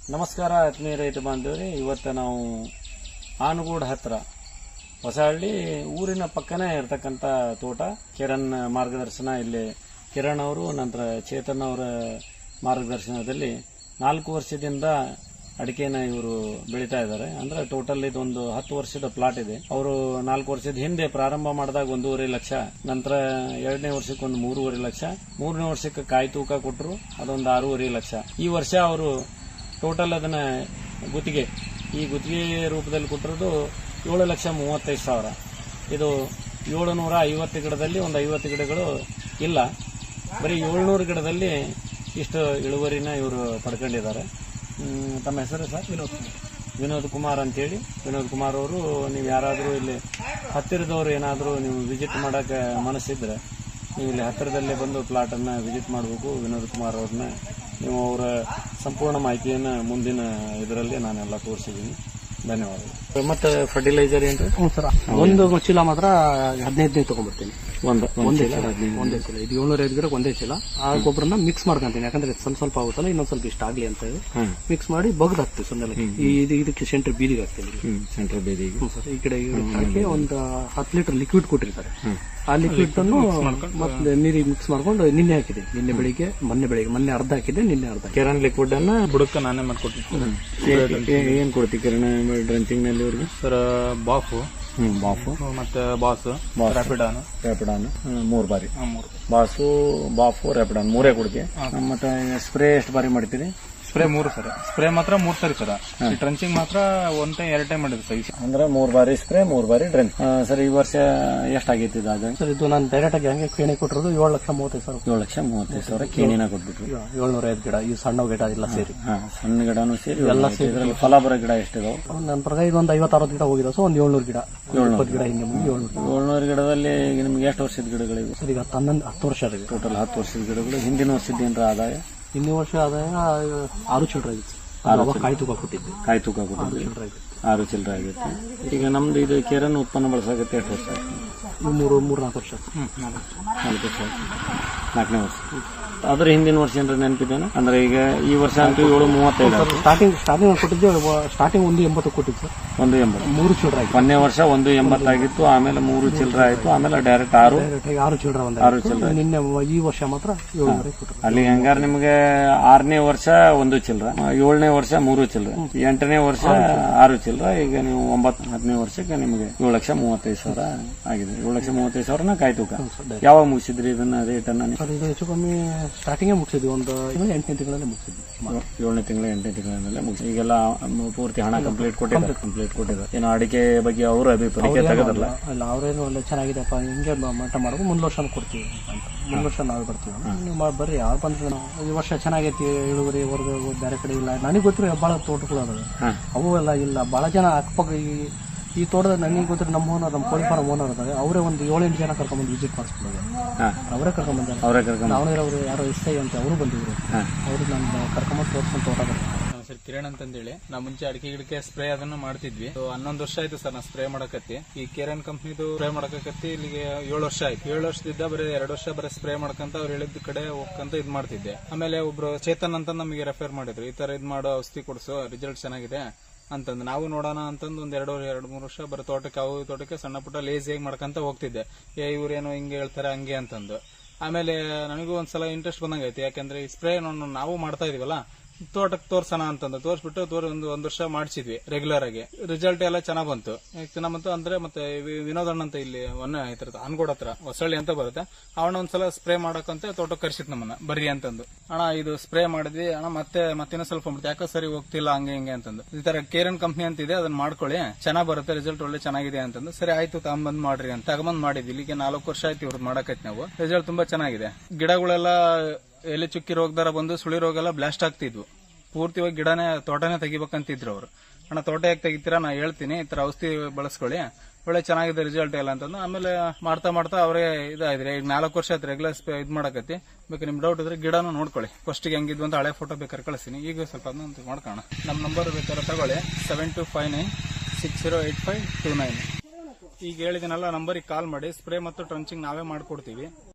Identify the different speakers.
Speaker 1: ನಮಸ್ಕಾರ ಆತ್ಮೀಯ ರೈತ ಬಾಂಧವರೇ. ಇವತ್ತು ನಾವು ಆನಗೋಡ್ ಹತ್ರ ಹೊಸಹಳ್ಳಿ ಊರಿನ ಪಕ್ಕನೇ ಇರತಕ್ಕಂಥ ತೋಟ ಕಿರಣ್ ಮಾರ್ಗದರ್ಶನ, ಇಲ್ಲಿ ಕಿರಣ್ ಅವರು ನಂತರ ಚೇತನ್ ಅವರ ಮಾರ್ಗದರ್ಶನದಲ್ಲಿ 4 ವರ್ಷದಿಂದ ಅಡಿಕೆನ ಇವರು ಬೆಳೀತಾ ಇದ್ದಾರೆ. ಅಂದ್ರೆ ಟೋಟಲ್ ಇದೊಂದು 10 ವರ್ಷದ ಪ್ಲಾಟ್ ಇದೆ. ಅವರು 4 ವರ್ಷದ ಹಿಂದೆ ಪ್ರಾರಂಭ ಮಾಡಿದಾಗ 1.5 ಲಕ್ಷ, ನಂತರ 2ನೇ ವರ್ಷಕ್ಕೆ ಒಂದು 3.5 ಲಕ್ಷ, 3ನೇ ವರ್ಷಕ್ಕೆ ಕಾಯಿ ತೂಕ ಕೊಟ್ಟರು, ಅದೊಂದು 6.5 ಲಕ್ಷ. ಈ ವರ್ಷ ಅವರು ಟೋಟಲ್ ಅದನ್ನ ಗುತ್ತಿಗೆ ರೂಪದಲ್ಲಿ ಕೊಟ್ಟಿರೋದು 7,35,000. ಇದು 750 ಗಿಡದಲ್ಲಿ ಒಂದು 50 ಗಿಡಗಳು ಇಲ್ಲ, ಬರೀ 700 ಗಿಡದಲ್ಲಿ ಇಷ್ಟು ಇಳುವರಿನ ಇವರು ಪಡ್ಕೊಂಡಿದ್ದಾರೆ. ತಮ್ಮ ಹೆಸರು ಸರ್? ವಿನೋದ್ ಕುಮಾರ್ ಅಂತೇಳಿ. ವಿನೋದ್ ಕುಮಾರ್ ಅವರು, ನೀವು ಯಾರಾದರೂ ಇಲ್ಲಿ ಹತ್ತಿರದವರು ಏನಾದರೂ ನೀವು ವಿಸಿಟ್ ಮಾಡೋಕ್ಕೆ ಮನಸ್ಸಿದ್ರೆ ನೀವು ಇಲ್ಲಿ ಹತ್ತಿರದಲ್ಲೇ ಬಂದು ಪ್ಲಾಟನ್ನು ವಿಸಿಟ್ ಮಾಡಬೇಕು. ವಿನೋದ್ ಕುಮಾರ್ ಅವ್ರನ್ನ ನೀವು ಅವರ ಸಂಪೂರ್ಣ ಮಾಹಿತಿಯನ್ನು ಮುಂದಿನ ಇದರಲ್ಲಿ ನಾನೆಲ್ಲ ತೋರಿಸಿದ್ದೀನಿ. ಧನ್ಯವಾದಗಳು. ಮತ್ತೆ ಫರ್ಟಿಲೈಸರ್ ಏನ್ರಿ?
Speaker 2: ಸರ್, ಒಂದು ಚೀಲ ಮಾತ್ರ 15 ತಗೊಂಡ್ಬರ್ತೀನಿ. ಒಂದೇ ಚೀಲ ಇದು 705 ಗಿಡಕ್ಕೆ ಒಂದೇ ಚೀಲ. ಆ ಗೊಬ್ಬರನ ಮಿಕ್ಸ್ ಮಾಡ್ಕೊಂತೀನಿ, ಯಾಕಂದ್ರೆ ಸ್ವಲ್ಪ ಆಗುತ್ತಲ್ಲ, ಇನ್ನೊಂದ್ ಸ್ವಲ್ಪ ಇಷ್ಟ ಆಗ್ಲಿ ಅಂತ ಹೇಳಿ ಮಿಕ್ಸ್ ಮಾಡಿ ಬಗ್ದು ಹಾಕ್ತೀವಿ. ಸುಮ್ಮನೆ ಇದಕ್ಕೆ ಸೆಂಟ್ರ್ ಬೀದಿಗೆ ಹಾಕ್ತೀನಿ.
Speaker 1: ಸೆಂಟ್ರ್ ಬೀದಿಗೆ
Speaker 2: ಸರ್, ಈ ಕಡೆ ಹಾಕಿ ಒಂದು 10 ಲೀಟರ್ ಲಿಕ್ವಿಡ್ ಕೊಟ್ಟಿರ್ತಾರೆ. ಆ ಲಿಕ್ವಿಡ್ ಅನ್ನು ಮತ್ತೆ ನೀರಿಗೆ ಮಿಕ್ಸ್ ಮಾಡ್ಕೊಂಡು ನಿನ್ನೆ ಹಾಕಿದೆ. ಮೊನ್ನೆ ಅರ್ಧ ಹಾಕಿದೆ, ನಿನ್ನೆ ಅರ್ಧ.
Speaker 1: ಕಿರಣ್ ಲಿಕ್ವಿಡ್ ಅನ್ನ
Speaker 3: ಬುಡಕ್ಕೆ ನಾನೇ ಮಾಡ್ಕೊಟ್ಟಿದ್ದೀನಿ.
Speaker 1: ಏನ್ ಕೊಡ್ತೀವಿ ಕಿರಣ್ ಡ್ರಂಚಿಂಗ್ ನಲ್ಲಿ ಅವ್ರಿಗೆ?
Speaker 3: ಸರ್, ಬಾಫು ಮತ್ತೆ ಬಾಸ್, ರ್ಯಾಪಿಡಾನ್
Speaker 1: 3 ಬಾರಿ. ಬಾಫು ರ್ಯಾಪಿಡಾನ್ 3 ಕೊಡ್ತೀವಿ. ಮತ್ತೆ ಸ್ಪ್ರೇ ಎಷ್ಟು ಬಾರಿ ಮಾಡ್ತೀರಿ?
Speaker 3: Spray 3 sir. ಸ್ಪ್ರೇ ಮಾತ್ರ 3 ಸರಿ ಸರ್. ಟ್ರಂಚಿಂಗ್ ಮಾತ್ರ 1 ಟೈಮ್ 2 ಟೈಮ್ ಮಾಡಿದ್ರು ಸರ್.
Speaker 1: ಅಂದ್ರೆ 3 ಬಾರಿ ಸ್ಪ್ರೇ, 3 ಬಾರಿ ಡ್ರಂಚ್. ಸರ್, ಈ ವರ್ಷ ಎಷ್ಟಾಗೈತಿ ಇದು?
Speaker 2: ಸರ್, ಇದು ನಾನು ಡೈರೆಕ್ಟ್ ಆಗಿ ಹಂಗೆ ಕೇಣಿ ಕೊಟ್ಟಿರೋದು 7,35,000.
Speaker 1: 7,35,000 ಕೇಣಿನ ಕೊಟ್ಬಿಟ್ರು.
Speaker 2: 705 ಗಿಡ, ಈ ಸಣ್ಣ ಗಿಡ ಎಲ್ಲ ಸೇರಿ.
Speaker 1: ಸಣ್ಣ ಗಿಡನೂ ಸೇರಿ ಎಲ್ಲ ಸೇರಿ. ಇದರಲ್ಲಿ ಫಲ ಬರೋ ಗಿಡ ಎಷ್ಟಿದಾವೆ?
Speaker 2: ನನ್ನ ಪ್ರಕಾರ ಇದೊಂದು 50-60 ಗಿಡ ಹೋಗಿದೆ. ಸೊ ಒಂದು 700 ಗಿಡ, 20 ಗಿಡ ಹಿಂಗೆ ಮುಂದೆ
Speaker 1: 700 ಗಿಡದಲ್ಲಿ ನಿಮ್ಗೆ ಎಷ್ಟು ವರ್ಷದ ಗಿಡಗಳಿವೆ?
Speaker 2: ಸರ್, ಈಗ 10 ವರ್ಷ ಆಗಿದೆ.
Speaker 1: ಟೋಟಲ್ 10 ವರ್ಷದ ಗಿಡಗಳು. ಹಿಂದಿನ ವರ್ಷದ ಏನಾರ ಆದಾಯ?
Speaker 2: ಹಿಂದಿನ ವರ್ಷ ಆದಾಯ 6 ಚಿಲ್ಲರೆ ಆಗಿತ್ತು. ಕಾಯಿ ತೂಕ ಕೊಟ್ಟಿದ್ದೆ.
Speaker 1: 6 ಚಿಲ್ಲರೆ ಆಗಿತ್ತು. ಈಗ ನಮ್ದು ಇದು ಕಿರಣ್ ಉತ್ಪನ್ನ ಬಳಸಾಗುತ್ತೆ ಎಷ್ಟು ವರ್ಷ ಆಯ್ತು?
Speaker 2: 3-4 ವರ್ಷ.
Speaker 1: 4 ವರ್ಷ ಆಯ್ತು. 4ನೇ ವರ್ಷ. ಅದ್ರ ಹಿಂದಿನ ವರ್ಷ ಏನಾರ ನೆನಪಿದ್ದೇನೆ? ಅಂದ್ರೆ ಈಗ ಈ ವರ್ಷ ಅಂತೂ 7,35.
Speaker 2: ಸ್ಟಾರ್ಟಿಂಗ್ ಕೊಟ್ಟಿದ್ದೆ. ಸ್ಟಾರ್ಟಿಂಗ್ 1,80 ಕೊಟ್ಟಿದ್ದು ಸರ್.
Speaker 1: 1,80.
Speaker 2: 3 ಚಿಲ್ಲರೆ ಆಯ್ತು.
Speaker 1: ಮೊನ್ನೆ ವರ್ಷ 1,80 ಆಗಿತ್ತು, ಆಮೇಲೆ 3 ಚಿಲ್ಲರೆ ಆಯ್ತು, ಆಮೇಲೆ ಡೈರೆಕ್ಟ್ 6 ಚಿಲ್ಲರೆ.
Speaker 2: ನಿನ್ನೆ ಈ ವರ್ಷ ಮಾತ್ರ 7 ಕೊಟ್ಟರು.
Speaker 1: ಅಲ್ಲಿ ಹಂಗಾರೆ ನಿಮಗೆ 6ನೇ ವರ್ಷ 1 ಚಿಲ್ಲರೆ, 7ನೇ ವರ್ಷ 3 ಚಿಲ್ಲರೆ, 8ನೇ ವರ್ಷ 6 ಚಿಲ್ಲರೆ. ಈಗ ನೀವು 10ನೇ ವರ್ಷಕ್ಕೆ ನಿಮಗೆ 7,35,000 ಆಗಿದೆ. 7,35,000 ಕಾಯಿ ತೂಕ. ಯಾವಾಗ ಮುಗಿಸಿದ್ರಿ ಇದನ್ನ ರೇಟ್ ಅನ್ನ?
Speaker 2: ಇದು ಹೆಚ್ಚು ಕಮ್ಮಿ ಸ್ಟಾರ್ಟಿಂಗ್ ಮುಗಿಸಿದ್ವಿ. ಒಂದು 8ನೇ ತಿಂಗಳಲ್ಲಿ ಮುಗಿಸಿದ್ವಿ.
Speaker 1: 7ನೇ ತಿಂಗಳ 8ನೇ ತಿಂಗಳಲ್ಲೇ ಮುಗಿಸಿ. ಈಗೆಲ್ಲ ಪೂರ್ತಿ ಹಣ ಕಂಪ್ಲೀಟ್ ಕೊಟ್ಟಿದ್ದಾರೆ. ಏನೋ ಅಡಿಕೆ ಬಗ್ಗೆ ಅವರು ಅಭಿಪ್ರಾಯ ತೆಗೆದ್ರಲ್ಲ?
Speaker 2: ಅಲ್ಲ, ಅವರೇನು ಒಳ್ಳೆ ಚೆನ್ನಾಗಿದೆಪ್ಪ, ಹಿಂಗೆ ಮಟ್ಟ ಮಾಡೋದು, ಮುಂದ್ ವರ್ಷ ಕೊಡ್ತೀವಿ ಅಂತ. ಮುಂದ್ ವರ್ಷ ನಾವೇ ಬರ್ತೀವಿ, ನೀವು ಬರ್ರಿ. ಯಾರು ಬಂದ್ರೆ ಈ ವರ್ಷ ಚೆನ್ನಾಗೈತಿ ಇಳುವರಿ, ಹೊರಗೆ ಬೇರೆ ಕಡೆ ಇಲ್ಲ. ನನಗೆ ಗೊತ್ತಿರೋ ಬಹಳ ತೋಟಗಳು ಅದಾವೆ, ಅವು ಎಲ್ಲ ಇಲ್ಲ. ಬಹಳ ಜನ ಅಕ್ಕಪಕ್ಕ ಈ ತೋಟದ ನನಗೆ ಗೊತ್ತಿರೋ ನಮ್ಮ ಓನರ್, ನಮ್ಮ ಕೋಳಿ ಫಾರ್ಮ್ ಓನರ್ ಅದಾವೆ. ಅವರೇ ಒಂದು 7-8 ಜನ ಕರ್ಕೊಂಡ್ಬಂದು ವಿಸಿಟ್ ಮಾಡಿಸ್ಬಿಡೋದು. ಅವರೇ ಕರ್ಕೊಂಡ್ಬಂದಾರೆ. ಅವರು ಯಾರೋ ಎಸ್ಐ ಅಂತ ಅವರು ಬಂದಿದ್ರು. ಅವ್ರಿಗೆ ನಾನು ಕರ್ಕೊಂಬಂದು ತೋರಿಸ್ಕೊಂಡು ತೋಟ ಬರ್ತಾರೆ.
Speaker 3: ಸರ್, ಕಿರಣ್ ಅಂತಂದೇಳಿ ನಾವು ಮುಂಚೆ ಅಡಿಕೆ ಗಿಡಕ್ಕೆ ಸ್ಪ್ರೇ ಅದನ್ನು ಮಾಡ್ತಿದ್ವಿ. 11 ವರ್ಷ ಆಯ್ತು ಸರ್ ನಾವು ಸ್ಪ್ರೇ ಮಾಡಕತ್ತಿ. ಈ ಕಿರಣ್ ಕಂಪ್ನಿದು ಸ್ಪ್ರೇ ಮಾಡಕತ್ತಿ ಇಲ್ಲಿಗೆ 7 ವರ್ಷ ಆಯ್ತು. 7 ವರ್ಷದಿಂದ ಬರೀ 2 ವರ್ಷ ಬರೀ ಸ್ಪ್ರೇ ಮಾಡ್ಕಂತ ಅವ್ರು ಹೇಳಿದ ಕಡೆ ಹೋಗ್ಕಂತ ಇದ್ ಮಾಡ್ತಿದ್ದೆ. ಆಮೇಲೆ ಒಬ್ರು ಚೇತನ್ ಅಂತ ನಮಗೆ ರೆಫರ್ ಮಾಡಿದ್ರು, ಈ ತರ ಇದ್ ಮಾಡೋ ಔಷಧಿ ಕೊಡ್ಸು, ರಿಸಲ್ಟ್ ಚೆನ್ನಾಗಿದೆ ಅಂತಂದು. ನಾವು ನೋಡೋಣ ಅಂತಂದು ಒಂದ್ 2-3 ವರ್ಷ ಬರೀ ತೋಟಕ್ಕೆ ಸಣ್ಣ ಪುಟ್ಟ ಲೇಸಿಯಾಗಿ ಮಾಡ್ಕಂತ ಹೋಗ್ತಿದ್ದೆ. ಇವ್ರೇನೋ ಹಿಂಗೆ ಹೇಳ್ತಾರೆ ಹಂಗೆ ಅಂತಂದು. ಆಮೇಲೆ ನನಗೂ ಒಂದ್ಸಲ ಇಂಟ್ರೆಸ್ಟ್ ಬಂದಂಗೈತಿ, ಯಾಕಂದ್ರೆ ಈ ಸ್ಪ್ರೇ ನಾವು ಮಾಡ್ತಾ ಇದೀವಲ್ಲ, ತೋಟಕ್ಕೆ ತೋರ್ಸೋಣ ಅಂತಂದು ತೋರಿಸ್ಬಿಟ್ಟು ಒಂದು ವರ್ಷ ಮಾಡಿಸಿದ್ವಿ ರೆಗ್ಯುಲರ್ ಆಗಿ. ರಿಸಲ್ಟ್ ಎಲ್ಲ ಚೆನ್ನಾಗ್ ಬಂತು. ಚೆನ್ನಾಗ್ ಬಂತು ಅಂದ್ರೆ ಮತ್ತೆ ವಿನೋದ್ ಅಣ್ಣ ಅಂತ ಇಲ್ಲಿ ಆನಗೋಡ್ ಹತ್ರ ಹೊಸಳ್ಳಿ ಅಂತ ಬರುತ್ತೆ, ಅವಣ್ಣ ಒಂದ್ಸಲ ಸ್ಪ್ರೇ ಮಾಡಕಂತ ತೋಟಕ್ಕೆ ಕರ್ಸಿತ್ ನಮ್ಮನ್ನ ಬರ್ರಿ ಅಂತಂದು. ಅಣ್ಣ ಇದು ಸ್ಪ್ರೇ ಮಾಡಿದ್ವಿ ಅಣ್ಣ, ಮತ್ತೆ ಇನ್ನೂ ಸ್ವಲ್ಪ ಯಾಕೋ ಸರಿ ಹೋಗ್ತಿಲ್ಲ ಹಂಗೆ ಹಿಂಗೆ ಅಂತಂದು. ಈ ತರ ಕಿರಣ್ ಕಂಪ್ನಿ ಅಂತ ಇದೆ, ಅದನ್ನ ಮಾಡ್ಕೊಳ್ಳಿ, ಚೆನ್ನಾಗ್ ಬರುತ್ತೆ, ರಿಸಲ್ಟ್ ಒಳ್ಳೆ ಚೆನ್ನಾಗಿದೆ ಅಂತಂದು. ಸರಿ ಆಯ್ತು, ತಗೊಂಬಂದ್ ಮಾಡ್ರಿ ಅಂತ ತಗೊಂಬಂದ್ ಮಾಡಿದ್ವಿ. ಇಲ್ಲಿಗೆ 4 ವರ್ಷ ಆಯ್ತು ಇವ್ರದ್ದು ಮಾಡಕೈತಿ ನಾವು. ರಿಸಲ್ಟ್ ತುಂಬಾ ಚೆನ್ನಾಗಿದೆ. ಗಿಡಗಳೆಲ್ಲ ಎಲೆ ಚುಕ್ಕಿ ರೋಗದಾರ ಬಂದು ಸುಳಿ ರೋಗ ಎಲ್ಲ ಬ್ಲಾಸ್ಟ್ ಆಗ್ತಿದ್ವು. ಪೂರ್ತಿವಾಗಿ ತೋಟನೇ ತೆಗಿಬೇಕಂತಿದ್ರು ಅವ್ರು. ಅಣ್ಣ ತೋಟ ಯಾಕೆ ತೆಗಿತೀರಾ, ನಾ ಹೇಳ್ತೀನಿ, ಈ ತರ ಔಷಧಿ ಬಳಸ್ಕೊಳ್ಳಿ, ಒಳ್ಳೆ ಚೆನ್ನಾಗಿದೆ ರಿಸಲ್ಟ್ ಎಲ್ಲ ಅಂತಂದು. ಆಮೇಲೆ ಮಾಡ್ತಾ ಅವರೇ ಇದಾಯ್ತು. ಈಗ 4 ವರ್ಷ ಆಯ್ತು ರೆಗ್ಯುಲರ್ ಇದ್ ಮಾಡಕತ್ತಿ. ಬೇಕಾದ್ರೆ ನಿಮ್ ಡೌಟ್ ಇದ್ರೆ ಗಿಡನೂ ನೋಡ್ಕೊಳ್ಳಿ. ಫಸ್ಟಿಗೆ ಹೆಂಗಿದ್ವು ಅಂತ ಹಳೆ ಫೋಟೋ ಬೇಕಾದ್ರೆ ಕಳಿಸ್ತೀನಿ. ಈಗ ಸ್ವಲ್ಪ ಅದನ್ನ ಮಾಡ್ಕೋಣ. ನಮ್ಮ ನಂಬರ್ ಬೇಕಾದ್ರೆ ತಗೊಳ್ಳಿ, 7259608529. ಈಗ ಹೇಳಿದಿನಲ್ಲ ನಂಬರಿಗೆ ಕಾಲ್ ಮಾಡಿ. ಸ್ಪ್ರೇ ಮತ್ತು ಟ್ರಂಚಿಂಗ್ ನಾವೇ ಮಾಡ್ಕೊಡ್ತೀವಿ.